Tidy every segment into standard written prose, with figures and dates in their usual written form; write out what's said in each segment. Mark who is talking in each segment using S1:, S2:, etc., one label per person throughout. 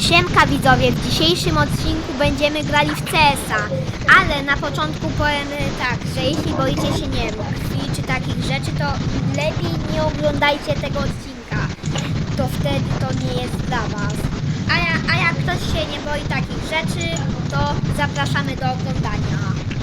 S1: Siemka widzowie, w dzisiejszym odcinku będziemy grali w CS-a, ale na początku powiem tak, że jeśli boicie się, nie wiem, krwi czy takich rzeczy, to lepiej nie oglądajcie tego odcinka, to wtedy to nie jest dla was. A jak ktoś się nie boi takich rzeczy, to zapraszamy do oglądania.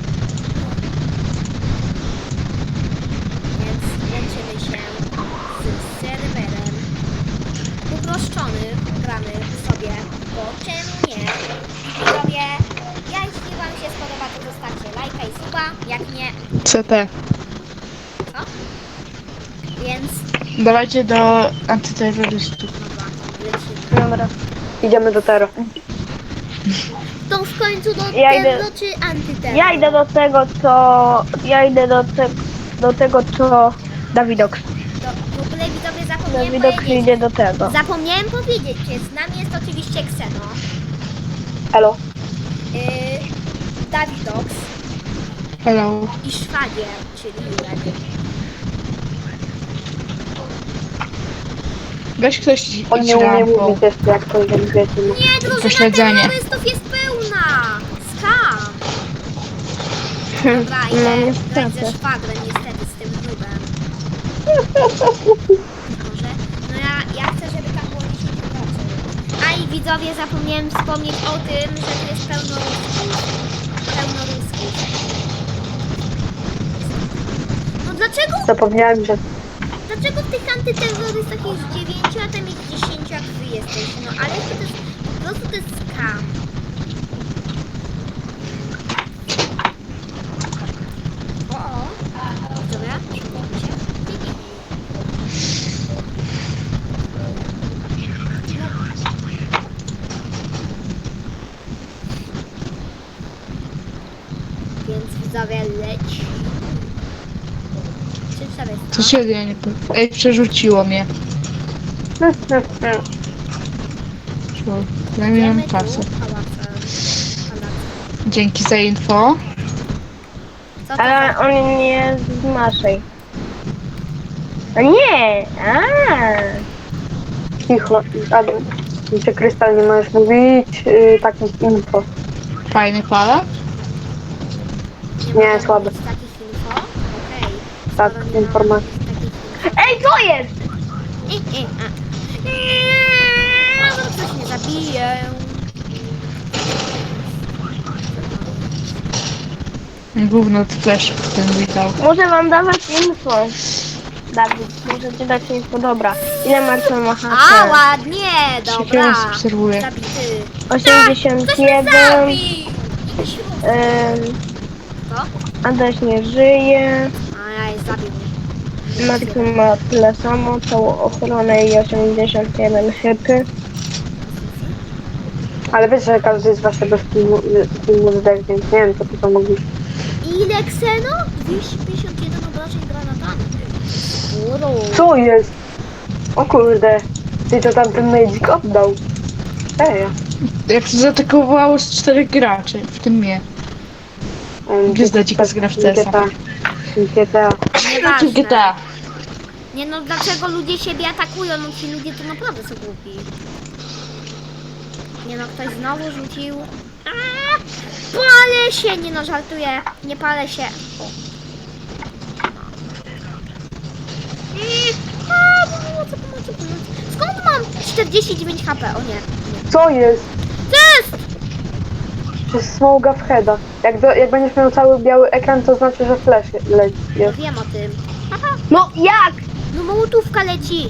S1: Więc łączymy się z serwerem uproszczony, gramy sobie, bo czemu nie? Widzowie, jeśli wam się spodoba, to zostawcie lajka i suba, jak nie,
S2: CT.
S1: co? Więc,
S2: Dawajcie do antyterrorystów.
S1: dobra, lecimy.
S3: Dobra, idziemy do Tero.
S1: To w końcu do
S3: Ja idę-
S1: terror czy antyterror?
S3: Ja idę do tego, co... Ja idę do tego, co... Dawidox.
S1: W ogóle widzowie zapomniałem
S3: Dawidox
S1: powiedzieć.
S3: idzie do tego.
S1: Zapomniałem powiedzieć, że z nami jest oczywiście Xeno,
S3: Elo.
S1: Dawidox
S2: Hello.
S1: i szwagier, czyli Jurek.
S2: Weź ktoś
S3: On
S2: idź
S3: nie umie
S2: rampą.
S3: mówić jeszcze, jak to wiecie.
S1: Nie, drużyna
S2: Pośledzenie.
S1: terrorystów jest pełna! Skam! Dobra,
S3: No,
S1: idę
S3: niestety.
S1: grać ze szwagrem niestety z tym nubem. Może? No ja chcę, żeby tam było 10 graczy. A i widzowie, zapomniałem wspomnieć o tym, że tu jest pełno rusków. Pełno rusków. No
S3: Zapomniałem, że...
S1: dlaczego w tych antyterrorystach jest 9, a tam jest 10, jak wy jesteście? No ale to jest, po prostu to jest skam. Dobra, szukamy się. Więc widzowie leci. Czy sobie
S2: Co się dzieje? Ej, przerzuciło mnie. Zajmijmy
S1: Idziemy tu
S2: kasę.
S1: pałacem.
S2: Dzięki za info.
S1: Co to
S3: Ale
S1: za...
S3: on nie jest z naszej. A nie! Cicho, Adam. Czy Krystal, nie możesz mówić takich info.
S2: Fajny pala?
S1: Nie,
S3: Nie,
S1: mogę
S3: słabe.
S1: mówić takich info? Okej.
S3: Tak,
S1: Skoro nie
S3: informacje.
S1: mogę mówić takich info.
S3: Ej, co jest?
S1: Może coś mnie zabije.
S2: Gówno flash ten witał.
S3: Muszę wam dawać info. Dawid, muszę ci dać info. Dobra. Ile Marcel ma
S1: A,
S3: HP?
S1: ładnie,
S2: Się
S1: dobra.
S2: teraz obserwuję.
S1: Zabity. Ktoś
S3: 81.
S1: mnie zabił! Jakiś ruch. Co?
S3: Adaś nie żyje.
S1: Ajaj, zabił mnie.
S3: Marcel ma tyle samo. Całą ochronę i 81 hypy. Ale wiesz, że każdy z waszego filmu zdech, więc nie wiem, co ty to mogliś.
S1: Ile Xeno? 251 obrażeń granatami. Uro.
S3: Co jest? O kurde. Ty to tam ten Magic oddał. Ej.
S2: Jak to zaatakowało z 4 graczy, w tym mnie. Gwiazda dzika z gra w CS-a.
S3: GTA.
S1: Nieważne.
S2: GTA.
S1: Nie no, dlaczego ludzie siebie atakują? No ci ludzie to naprawdę są głupi. Nie no, ktoś znowu rzucił. Aaa! Palę się! Nie no, żartuję. Nie palę się. O. Pomocy. Skąd mam 49 HP? O nie.
S3: Co jest?
S1: Jest!
S3: To jest smoga w heada. Jak będziesz miał cały biały ekran, to znaczy, że flash leci.
S1: No
S3: Jest.
S1: wiem o tym. Aha,
S3: No jak?
S1: no mołotówka leci.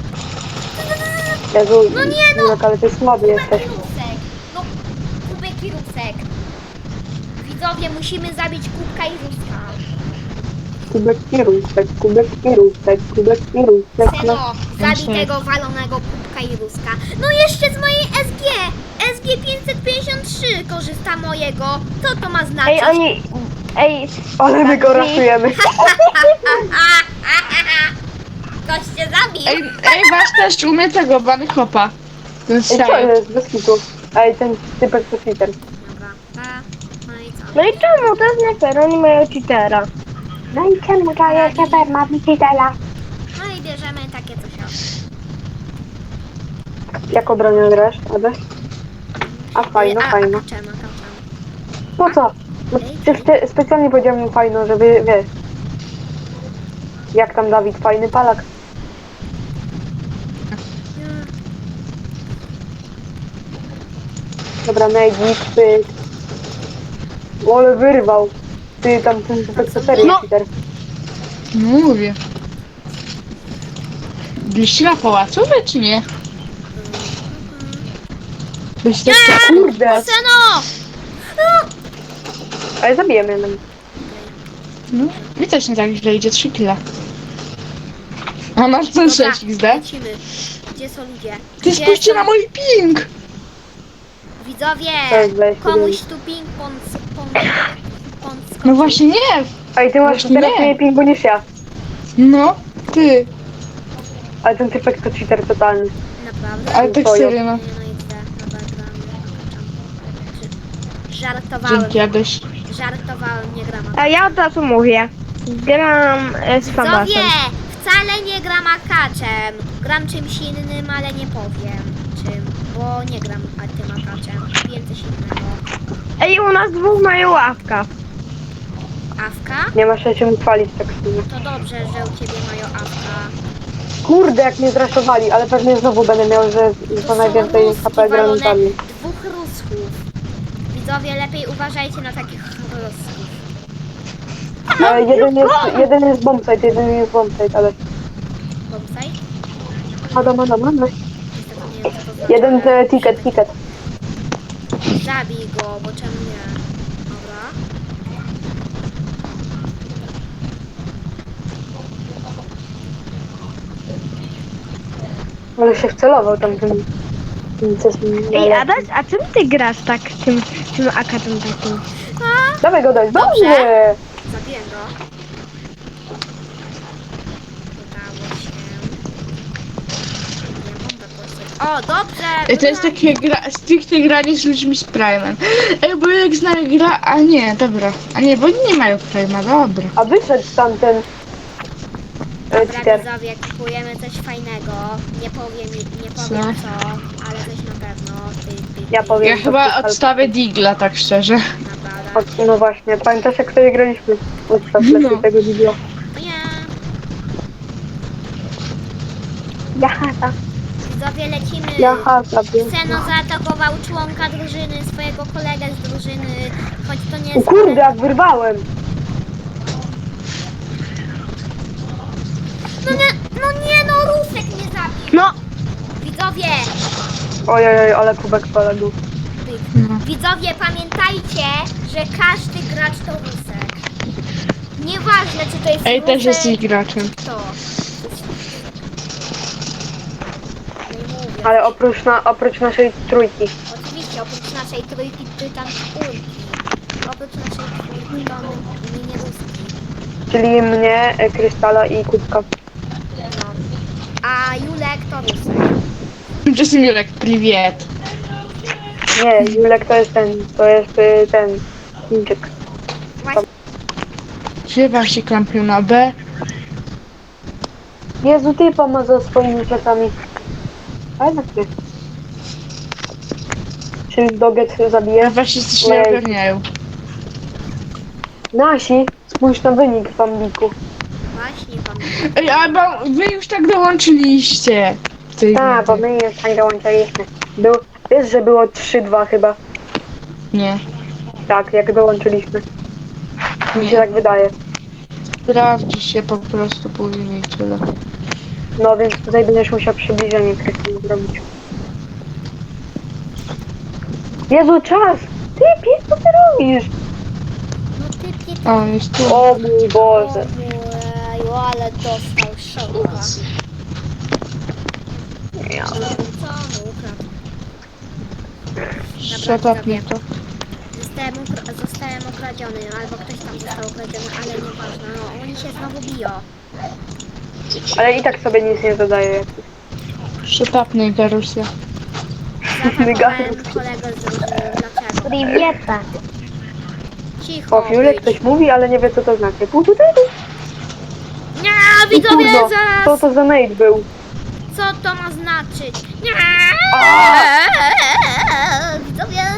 S3: Jezu,
S1: No nie, no.
S3: Julek, ale ty słaby jesteś.
S1: Rusek. No, kubek i rusek. Widzowie, musimy zabić kubka i ruska.
S3: Kubek i rusek, kubek i rusek, kubek i rusek. No.
S1: Seno, zabij tego walonego kubka i ruska. No jeszcze z mojej SG. SG 553 korzysta mojego. Co to ma znaczyć?
S3: Ej, ale my go
S1: Tak.
S3: raszujemy.
S1: Ktoś cię zabił.
S2: Ej, masz też umie tego, bany hopa. Ten
S3: Ej, co
S2: strzał.
S3: jest? Bez kitu. Ej, ten typek to cheater.
S1: Dobra, no i co?
S3: No i czemu? To jest nie fair, oni mają cheatera. No i czemu daje cheater, ma cheatera?
S1: No i bierzemy takie coś.
S3: Jak obronę grasz, Adaś? A fajno, fajno.
S1: Akaczem.
S3: Po co? No przecież specjalnie powiedziałem fajno, żeby, wiesz. Jak tam Dawid, fajny palak. Dobra, Negi, pyk. Ole wyrwał. Ty tam ten to serio,
S2: No.
S3: Peter.
S2: No mówię. Byliście na pałacu, wy, czy nie? Byliście w
S3: Kurde,
S1: Seno!
S3: ale zabijemy jednym.
S2: No, mi też nie tak źle idzie, 3 kile. A masz co 6 XD?
S1: Lecimy. Gdzie są ludzie?
S2: Ty
S1: Gdzie
S2: spójrzcie
S1: są-
S2: na mój ping!
S1: Widzowie,
S3: Tak, weź,
S1: komuś
S3: weź.
S1: tu ping-pong
S2: No właśnie nie!
S3: Ej, ty masz
S2: Właśnie
S3: teraz
S2: nie.
S3: mniej pingu niż ja.
S2: No, ty.
S3: Ale ten typek to cheater totalny.
S1: Naprawdę?
S2: Ale tak
S3: Twoją.
S2: serio, no.
S1: Nie, no i idę. Dobra, gramy. Żartowałem.
S2: Dzięki, Adaś.
S1: Żartowałem, nie gram.
S4: A ja od razu mówię. Gram z
S1: Widzowie,
S4: Famasem.
S1: wcale nie gram akaczem. Gram czymś innym, ale nie powiem czym, bo nie gram tym akaczem. Wiem coś innego.
S4: Ej, u nas dwóch mają ławka.
S1: Awka?
S3: Nie masz się czym chwalić tak sobie.
S1: To dobrze, że u ciebie mają awka.
S3: Kurde, jak mnie zraszowali, ale pewnie znowu będę miał, że
S1: To
S3: to
S1: są
S3: najwięcej
S1: ruski
S3: HP
S1: walone,
S3: granatami.
S1: dwóch ruschów. Widzowie, lepiej uważajcie na takich rusków.
S3: Jeden jest bombsite, ale...
S1: Bombsite?
S3: Adam.
S1: Niestety nie wiem, co to znaczy.
S3: Jeden ticket.
S1: Zabij go, bo czemu nie? Dobra.
S3: Ale się wcelował tam tym...
S4: Ej, Adaś, a czym ty grasz tak tym akatem takim?
S3: Dawaj go dać,
S1: Dobrze.
S3: dobrze!
S1: Zabiłem go. Udało się. Nie, bombę poszedł. O, dobrze!
S2: Ej, to jest takie stricte granie z ludźmi z Prime'em. Ej, bo jak znają gra... A nie, dobra. A nie, bo oni nie mają Prime'a, dobra.
S3: A wyszedł tamten...
S1: Dobra,
S3: cheater.
S1: widzowie, kupujemy coś fajnego. Nie powiem
S2: Co?
S1: co, ale coś na pewno.
S3: Ja powiem.
S2: Ja
S3: to
S2: chyba
S3: jest
S2: odstawię Digla, tak szczerze.
S1: Naprawdę.
S3: No właśnie, pamiętasz jak sobie graliśmy? Ustaw
S2: No.
S3: lepiej tego wideo.
S1: No nie.
S3: Jaha,
S1: Widzowie, lecimy. Seno zaatakował członka drużyny, swojego kolegę z drużyny, choć to nie
S3: O
S1: jest...
S3: kurde, jak wyrwałem!
S1: No Rusek mnie zabił.
S4: No,
S1: Widzowie,
S3: Ojej, ale kubek poległ.
S1: widzowie, pamiętajcie, że każdy gracz to Rusek. Nieważne, czy to jest
S2: Ej,
S1: Rusek,
S2: też jesteś graczem.
S1: kto. Nie mówię.
S3: Ale oprócz naszej trójki.
S1: Oczywiście, oprócz naszej trójki, ty tam czwórki. Oprócz naszej czwórki to nie Ruski.
S3: Czyli mnie, Krystala i Kubka.
S1: No. A Julek to Rusek.
S2: Tymczasem Julek, priwiet.
S3: Nie, Julek to jest ten Chińczyk.
S1: Właśnie,
S2: Gdzie wam się klampił na B?
S3: Jezu, typa ma za swoimi plecami. A jednak nie. Czy Doget
S2: Ja
S3: zabije?
S2: właśnie coś nie ogarniają.
S3: Nasi, spójrz na wynik w Ambiku.
S1: właśnie pan.
S2: Ej, ale wy już tak dołączyliście. w tej
S3: Tak, bo
S2: rundzie.
S3: my już tak dołączyliśmy. Wiesz, że było 3-2 chyba.
S2: Nie.
S3: Tak, jak dołączyliśmy. Mi się
S2: Nie.
S3: tak wydaje.
S2: Sprawdzi się po prostu później i tyle.
S3: No więc tutaj będziesz musiał przybliżenie Krystyny zrobić. Jezu, czas! Ty, pies, co ty robisz?
S1: No ty,
S2: O, jest tu.
S3: O mój Boże.
S1: Ojeju, ale dostał szoka.
S3: Ja.
S1: Co on ukradł?
S2: Shut up, nie to.
S1: Zostałem okradziony, albo ktoś tam został okradziony, ale nieważne, no oni się znowu biją.
S3: Ale i tak sobie nic nie dodaje.
S2: Shut up, nigga, Rosja.
S1: Zaatakowałem kolegę z drużyny, dlaczego?
S4: Priwieta.
S1: Cicho
S3: O, Julek
S1: być.
S3: ktoś mówi, ale nie wie co to znaczy.
S1: Nie, widzowie,
S3: Co
S1: zaraz!
S3: to za nade był?
S1: Co to ma znaczyć? Nie!
S3: A!
S1: Widzowie,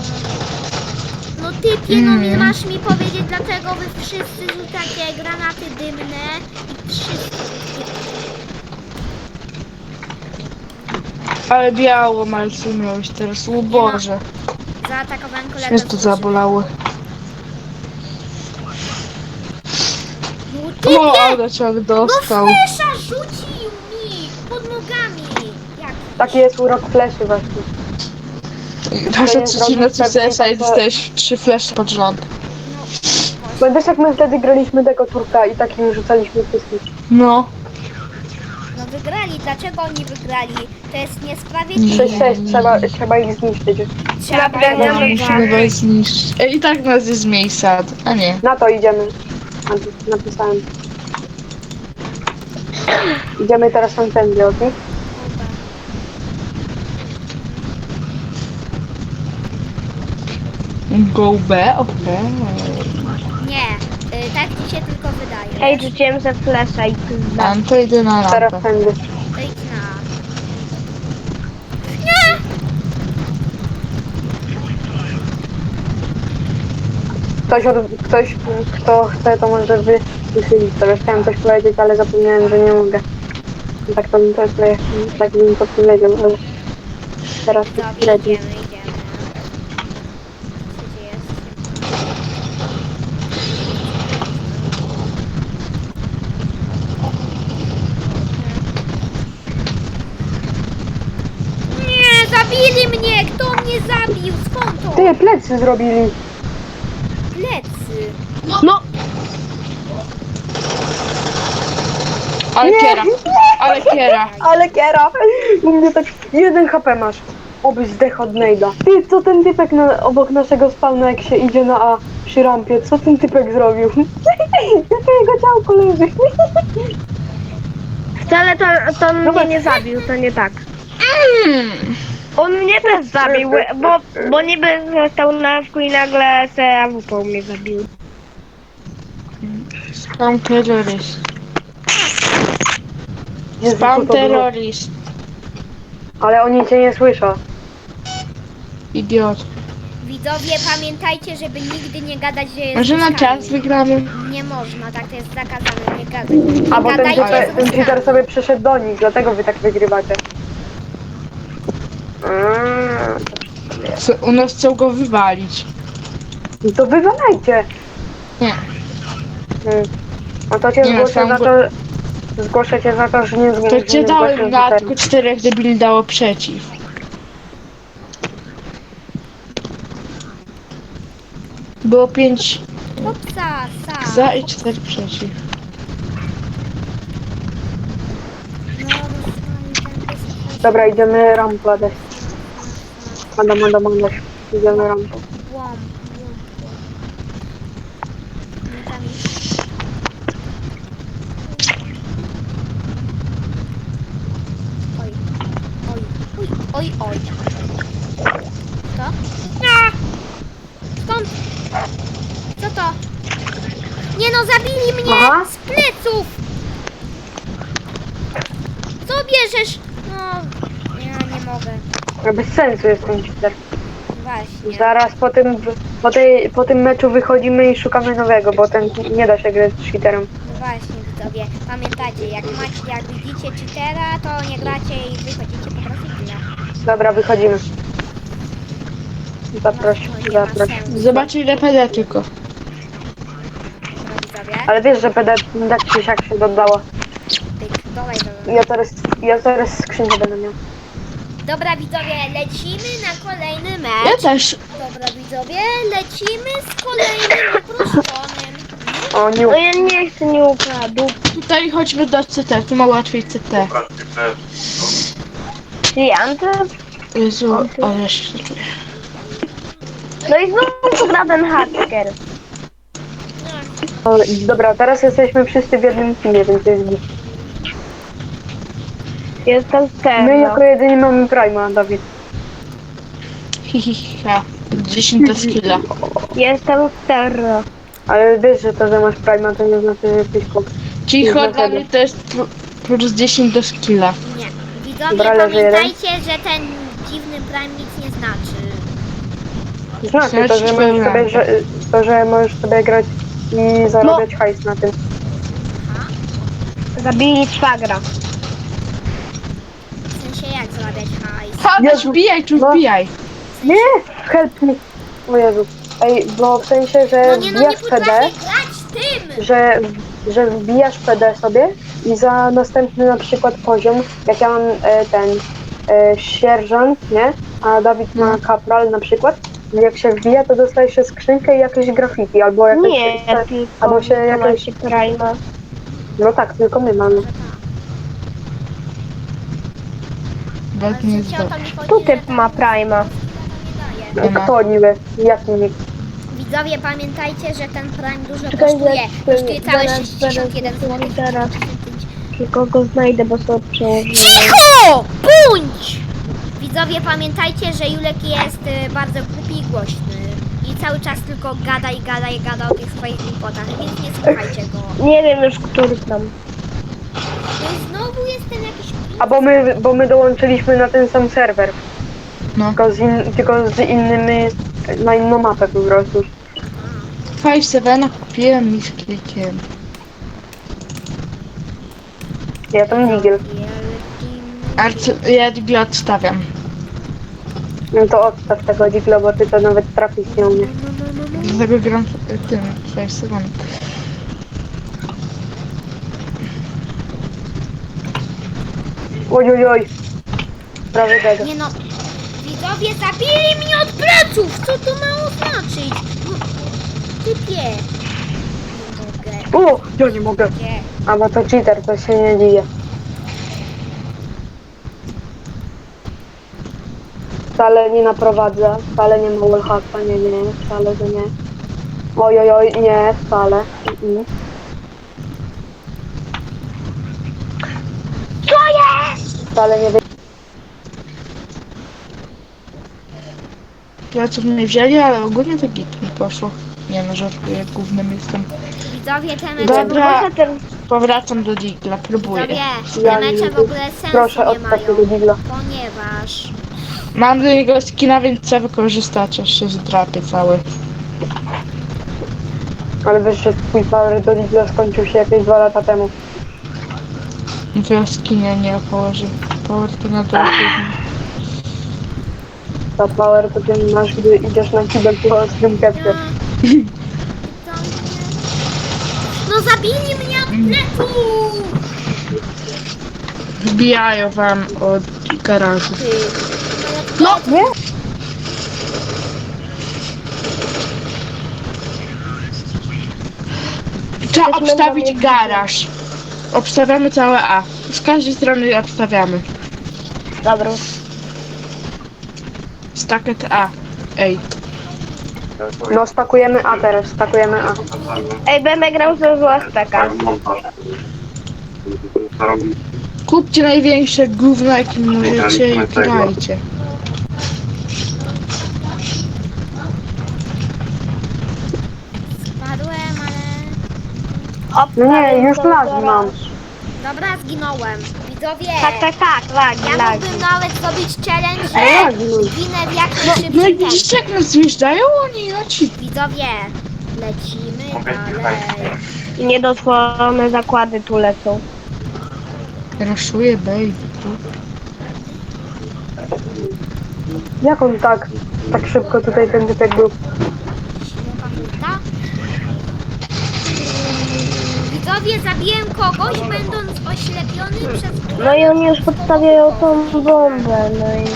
S1: No typie, no nie masz mi powiedzieć, dlaczego wy wszyscy rzucacie granaty dymne i wszyscy.
S2: Ale biało malcu miałeś teraz, o Boże.
S1: Zaatakowałem kolegę.
S2: Mnie to zabolało.
S1: No
S2: O,
S1: typie!
S2: ale ciąg dostał.
S1: No flesza rzucił mi pod nogami. Jak?
S3: Taki jest urok fleszy właśnie.
S2: Wasza
S3: jest
S2: trzecina
S3: robić
S2: CSa i
S3: tak,
S2: dostałeś 3 flesze pod rząd.
S1: No,
S3: Pamiętasz jak my wtedy graliśmy tego turka i takim rzucaliśmy wszystkich?
S2: No.
S1: no wygrali, dlaczego oni wygrali? To jest niesprawiedliwe.
S3: 6-6, trzeba ich zniszczyć.
S1: Trzeba
S2: No, musimy was zniszczyć. I tak nas jest miejsca, a nie.
S3: Na to idziemy. Napisałem. Idziemy teraz tamtędy, okej?
S2: Go B, okej.
S1: Nie, tak ci się tylko wydaje.
S4: Ej, rzuciłem ze flesza i pizda.
S2: Tam to idę na
S3: Teraz
S2: rampę.
S3: tędy.
S1: To idź na...
S3: Ktoś, kto chce, to może wychylić sobie. Chciałem coś powiedzieć, ale zapomniałem, że nie mogę. Tak to bym też tak bym to powiedział, ale teraz to
S1: Dobra,
S3: śledzi.
S1: idziemy. Co gdzie jest? Nie, zabili mnie! Kto mnie zabił? Skąd to?
S3: Ty, plecy zrobili.
S1: Plecy.
S2: No! Ale
S3: Nie.
S2: kiera, ale kiera.
S3: Ale kiera! U mnie tak 1 HP masz. Obyś zdech od nejda. Ty, co ten typek obok naszego spawna, jak się idzie na A przy rampie? Co ten typek zrobił? Jakie jego ciałko leży?
S4: Wcale to on
S3: Dobra.
S4: mnie nie zabił, to nie tak. On mnie też zabił, bo niby stał na wku i nagle se AWP mnie zabił.
S2: Spam terroryst.
S3: Jezu,
S2: Spam
S3: co to było?
S2: terroryst.
S3: Ale oni cię nie słyszą.
S2: Idiot.
S1: Widzowie, pamiętajcie, żeby nigdy nie gadać, że jest
S2: Może na
S1: zyskami.
S2: czas wygramy?
S1: Nie można, tak to jest zakazane, nie gadać. Nie
S3: A bo ten
S1: gadajcie
S3: cheater,
S1: z
S3: ten cheater
S1: zyskami.
S3: sobie przyszedł do nich, dlatego wy tak wygrywacie.
S2: U nas chcą go wywalić.
S3: No to wywalajcie.
S2: Nie.
S3: No to cię
S2: Nie,
S3: zgłoszę
S2: sam
S3: za
S2: go-
S3: to... Zgłoszę cię za to, że nie
S2: To
S3: zgłosisz.
S2: cię dałem na tylko 4 debili dało przeciw. Było 5
S1: Hopsa, sa.
S2: za i 4 przeciw.
S1: No, dostali ten wysokość.
S3: Dobra, idziemy rampę dać. Adam, idziemy rampę.
S1: Łom. Nie tam iść. Oj. Oj. Co? Nie! Skąd? Co to? Nie no, zabili mnie
S3: Aha.
S1: z pleców! Co bierzesz? No, ja nie mogę.
S3: No bez sensu jest ten cheater.
S1: Właśnie.
S3: Zaraz po tym meczu wychodzimy i szukamy nowego, bo ten nie da się grać z cheaterem.
S1: No właśnie, widzowie, pamiętajcie, jak widzicie cheatera, to nie gracie i wychodzicie po prostu tyle.
S3: Dobra, wychodzimy. Zaproś.
S1: No, nie ma sensu.
S2: Zobacz ile PD tylko.
S1: Dobra, widzowie,
S3: Ale wiesz, że PD tak czy siak się dodało.
S1: pyk, dawaj.
S3: Ja teraz skrzynkę będę miał.
S1: Dobra, widzowie, lecimy na kolejny
S2: Ja
S1: mecz.
S2: też.
S1: Dobra, widzowie, lecimy z kolejnym uproszczonym.
S3: O,
S4: No ja nie chcę, nie ukradł.
S2: Tutaj chodźmy do CT, tu ma łatwiej CT.
S4: Czyli Anty?
S2: Jezu, ale się czuję.
S4: No i znowu gra ten hacker.
S3: O, dobra, teraz jesteśmy wszyscy w jednym teamie, więc jest git.
S4: Jestem
S3: My
S4: Terro.
S3: jako jedyni mamy Prima, Dawid.
S2: Hihiha. 10 do skilla.
S4: Jestem Terro.
S3: Ale wiesz, że to, że masz Prima, to nie znaczy, że jesteś kop.
S2: Cicho, dla mnie to jest plus 10 do skilla.
S1: Nie. Widzowie,
S3: Dobra, leży jeden.
S1: pamiętajcie, że ten dziwny prime nic nie znaczy.
S3: Znaczy to, że możesz sobie, że możesz sobie grać i zarabiać hajs na tym.
S4: Zabili szwagra.
S1: W sensie jak zarabiać hajs?
S2: Chodź,
S3: Jezu,
S2: wbijaj, tu
S3: no.
S2: wbijaj.
S3: Nie! Help me! O Jezu. Ej, bo w sensie, że
S1: No nie
S3: wbijasz PD,
S1: potrafię grać tym!
S3: że wbijasz PD sobie i za następny na przykład poziom, jak ja mam sierżant, nie? A Dawid ma kapral na przykład, jak się wbija, to dostajesz się skrzynkę i jakieś graffiti, albo jakieś...
S4: Nie, tylko
S3: albo się jakieś...
S4: się Prima.
S3: No tak, tylko my mamy.
S1: Ale
S2: Bek
S1: w
S2: nie
S1: sensie
S2: jest
S1: o to
S2: dobry.
S1: mi chodzi,
S4: Tu
S1: że
S4: typ
S1: tam
S4: ma Prima.
S1: nie daje.
S2: Nie ma.
S3: Kto niby? Jaki nick?
S1: Widzowie, pamiętajcie, że ten Prime dużo
S4: Czekaj,
S1: kosztuje. Kosztuje całe
S4: zaraz,
S1: 61
S4: zaraz,
S1: zł.
S4: zaraz. Tylko go znajdę, bo sobie przełożyłem.
S1: Cicho! Bądź! Widzowie, pamiętajcie, że Julek jest bardzo głupi i głośny. I cały czas tylko gada i gada i gada o tych swoich głupotach, więc nie słuchajcie go.
S4: Nie wiem już, który tam.
S1: No i znowu jestem jakiś...
S3: A bo my dołączyliśmy na ten sam serwer,
S2: No.
S3: tylko z innymi, na inną mapę po prostu.
S2: 5-7 kupiłem i z klikiem.
S3: Ja tam Nigel.
S2: Ale ja digla odstawiam.
S3: No to odstaw tego Digla, bo ty to nawet trafić nie umiesz.
S2: Dlatego gram tym 5-7.
S3: Oj, oj, oj. Prawie tego.
S1: Nie no, widzowie zabili mnie od pleców! Co to ma oznaczyć? No, typie. Nie mogę.
S3: O, ja nie mogę.
S1: Gdzie?
S3: A bo to cheater, to się nie dziwię. Wcale nie naprowadza, wcale nie ma wallhacka, nie, wcale, że nie. Oj, oj, oj, nie, wcale.
S4: Co jest?
S3: Wcale nie wy...
S2: Pleców nie wzięli, ale ogólnie to git mi poszło. Nie no, żartuję, głównym jestem.
S1: Widzowie, te mecze...
S2: Dobra,
S4: Może ten...
S2: powracam do digla, próbuję.
S1: Widzowie,
S3: Ja
S1: te
S3: nie
S1: mecze w
S3: lubię.
S1: ogóle sensu
S3: Proszę,
S1: nie
S3: odstaw
S1: mają.
S3: tego Digla.
S1: Ponieważ...
S2: Mam do niego skina, więc chcę wykorzystać, aż się zdrapię cały.
S3: Ale wiesz, że twój power do Digla skończył się jakieś 2 lata temu.
S2: No to ja skinie nie położę. Power to na dole.
S3: Ta power to ty masz, gdy idziesz na kibel po ostrym kepcie.
S1: No zabili mnie od pleców!
S2: Wbijają wam od garażu.
S3: No, nie?
S2: Trzeba obstawić garaż. Obstawiamy całe A. Z każdej strony obstawiamy.
S4: Dobra.
S2: Stacket A. Ej.
S3: No, stakujemy A teraz, stakujemy A.
S4: Ej, będę grał ze złastaka.
S2: Kupcie największe gówno, jakim możecie i grajcie.
S1: Spadłem, ale...
S4: Hop,
S3: No nie,
S4: dalej,
S3: już
S4: to
S3: lag
S4: zaraz.
S3: mam.
S1: Dobra, zginąłem. Widzowie,
S4: Tak, lagi,
S1: ja
S4: lagi.
S1: mógłbym nawet zrobić challenge,
S3: Ej,
S1: że
S3: lagi.
S1: zginę w jak
S2: No i
S1: najszybciej tempo.
S2: widzicie, jak nas zjeżdżają oni na ci.
S1: Widzowie, lecimy dalej.
S4: Niedosłowne zakłady tu lecą.
S2: Raszuję, baby.
S3: Jak on tak szybko tutaj ten typek był?
S1: Ślepa furta. Widzowie, zabiłem kogoś, będąc oślepiony przez...
S4: No i oni już podstawiają tą bombę, no i...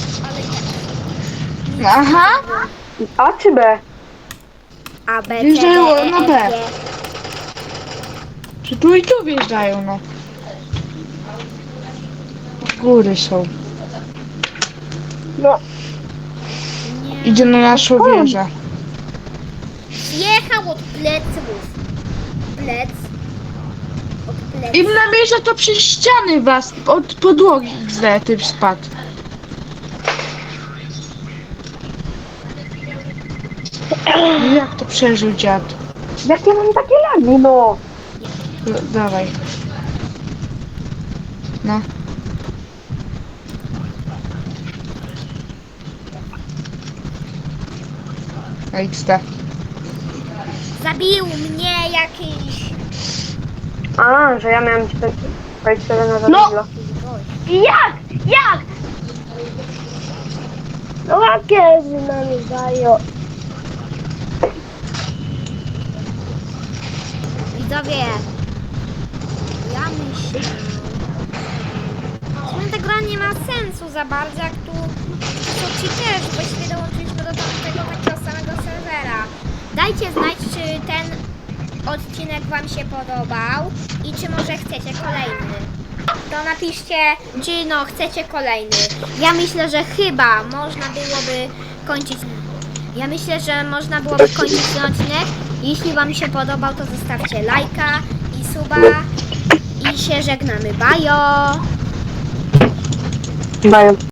S2: Aha!
S3: A czy B?
S1: A, B, C, D,
S2: Wjeżdżają
S1: E,
S2: na
S1: F,
S2: B.
S1: G.
S2: Czy tu i tu wjeżdżają, no. Z góry są.
S4: No,
S1: Nie.
S2: Idzie na naszą wieżę.
S1: Zjechał od pleców. Plec. Od pleców.
S2: I namierza to przez ściany was, od podłogi źle typ spadł. Jak to przeżył dziad?
S3: Jak ja mam takie lagi, no?
S2: Dawaj. No. XD.
S1: Zabił mnie jakiś...
S3: A, że ja miałem ci tak powiedzieć na za
S4: No!
S3: chwilę.
S4: Jak? Jak? No jakie z nami dają?
S1: Widzowie, ja myślę, że ta gra nie ma sensu za bardzo, jak tu są ci też, właściwie dołączyliśmy do tamtego takiego samego serwera. Dajcie znać, czy ten odcinek wam się podobał i czy może chcecie kolejny. To napiszcie, czy no chcecie kolejny. Ja myślę, że chyba można byłoby kończyć. Ja myślę, że można byłoby kończyć ten odcinek. Jeśli wam się podobał, to zostawcie lajka i suba. I się żegnamy. Bajo!
S3: Daję.